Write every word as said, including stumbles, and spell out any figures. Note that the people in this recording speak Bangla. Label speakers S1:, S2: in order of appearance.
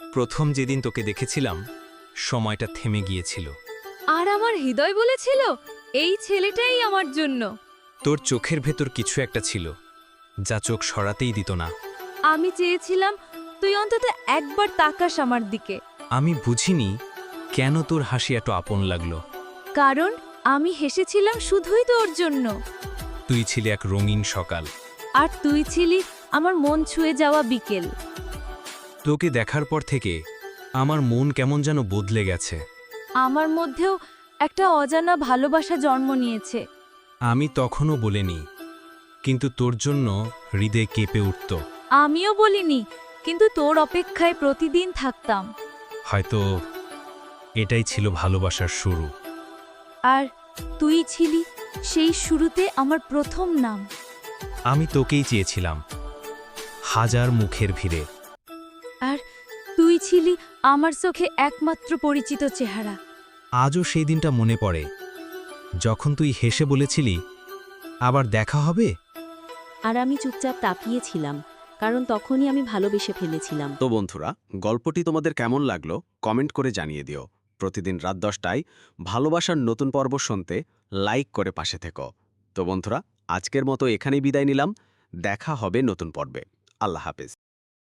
S1: প্রথম যেদিন তোকে দেখেছিলাম সময়টা থেমে গিয়েছিল।
S2: আর আমার হৃদয় বলেছিল এই ছেলেটাই আমার জন্য।
S1: তোর চোখের ভেতর কিছু একটা ছিল যা চোখ সরাতেই দিত না।
S2: আমি চেয়েছিলাম তুই অন্তত একবার তাকাস আমার দিকে,
S1: আমি বুঝিনি কেন তোর হাসি এত আপন লাগলো।
S2: কারণ আমি হেসেছিলাম শুধুই তোর জন্য।
S1: তুই ছিলি এক রঙিন সকাল,
S2: আর তুই ছিলি আমার মন ছুঁয়ে যাওয়া বিকেল।
S1: তোকে দেখার পর থেকে আমার মন কেমন যেন বদলে গেছে।
S2: আমার মধ্যেও একটা অজানা ভালোবাসা জন্ম নিয়েছে।
S1: আমি তখনও বলিনি, কিন্তু তোর জন্য হৃদয় কেঁপে উঠত।
S2: আমিও বলিনি, কিন্তু তোর অপেক্ষায় প্রতিদিন থাকতাম।
S1: হয়তো এটাই ছিল ভালোবাসার শুরু।
S2: আর তুই ছিলি সেই শুরুতে আমার প্রথম নাম।
S1: আমি তোকেই চেয়েছিলাম, হাজার মুখের ভিড়ে।
S2: আর তুই ছিলি আমার চোখে একমাত্র পরিচিত চেহারা।
S1: আজও সেই দিনটা মনে পড়ে, যখন তুই হেসে বলেছিলি আবার দেখা হবে।
S3: আর আমি চুপচাপ তাকিয়েছিলাম, কারণ তখনই আমি ভালোবেসে ফেলেছিলাম।
S4: তো বন্ধুরা, গল্পটি তোমাদের কেমন লাগলো কমেন্ট করে জানিয়ে দিও। প্রতিদিন রাত দশটায় ভালোবাসার নতুন পর্ব শুনতে লাইক করে পাশে থেকো। তো বন্ধুরা, আজকের মতো এখানেই বিদায় নিলাম। দেখা হবে নতুন পর্বে। আল্লাহ হাফেজ।